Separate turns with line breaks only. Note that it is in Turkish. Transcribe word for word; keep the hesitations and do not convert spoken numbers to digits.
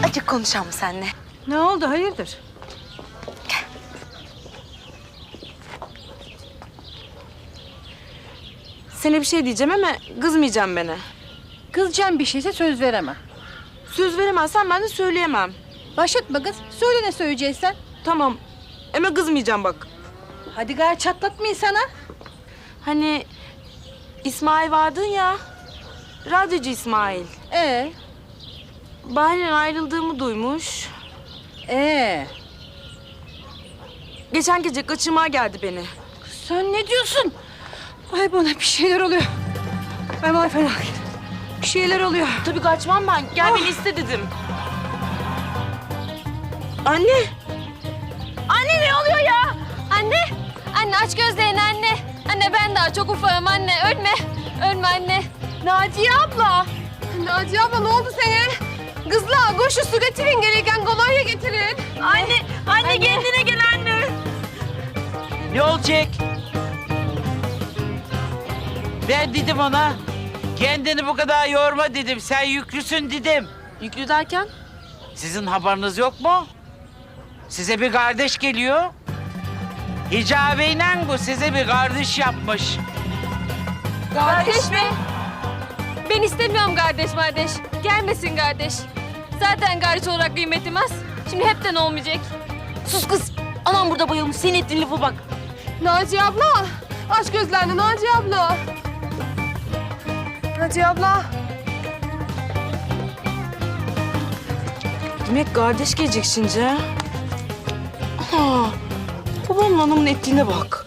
Azıcık konuşalım seninle.
Ne oldu, hayırdır?
Gel.
Sana bir şey diyeceğim ama kızmayacağım bana.
Kızacağım bir şeyse söz veremem.
Söz veremezsen ben de söyleyemem.
Başlatma kız. Söyle ne söyleyeceksen.
Tamam. Ama kızmayacağım bak.
Hadi gari çatlatmayın sana.
Hani İsmail vardın ya. Radyocu İsmail.
Ee,
Bahri'nin ayrıldığımı duymuş.
ee.
Geçen gece kaçırmaya geldi beni.
Sen ne diyorsun? Ay bana bir şeyler oluyor. Ay bana fena. Bir şeyler oluyor.
Tabii kaçmam ben. Gel beni iste dedim. Anne.
Anne ne oluyor ya? Anne, anne aç gözlerini anne. Anne ben daha çok ufağım anne. Ölme, ölme anne. Naciye abla. Naciye abla ne oldu sana? Kızlar koşun su getirin gereken kolonya getirin. Anne, anne, anne. Kendine gel anne.
Ne olacak? Ben dedim ona, kendini bu kadar yorma dedim. Sen yüklüsün dedim.
Yüklü derken?
Sizin haberiniz yok mu? Size bir kardeş geliyor. Hicabeyle bu size bir kardeş yapmış.
Kardeş mi? Ben istemiyorum kardeş kardeş. Gelmesin kardeş. Zaten kardeş olarak kıymetim az. Şimdi hepten olmayacak.
Sus kız. Anam burada bayılmış. Senin ettiğin lafa bak.
Naciye abla. Aç gözlerini Naciye abla. Naciye abla.
Demek kardeş gelecek şimdi. Ha. Babamın anamın ettiğine bak.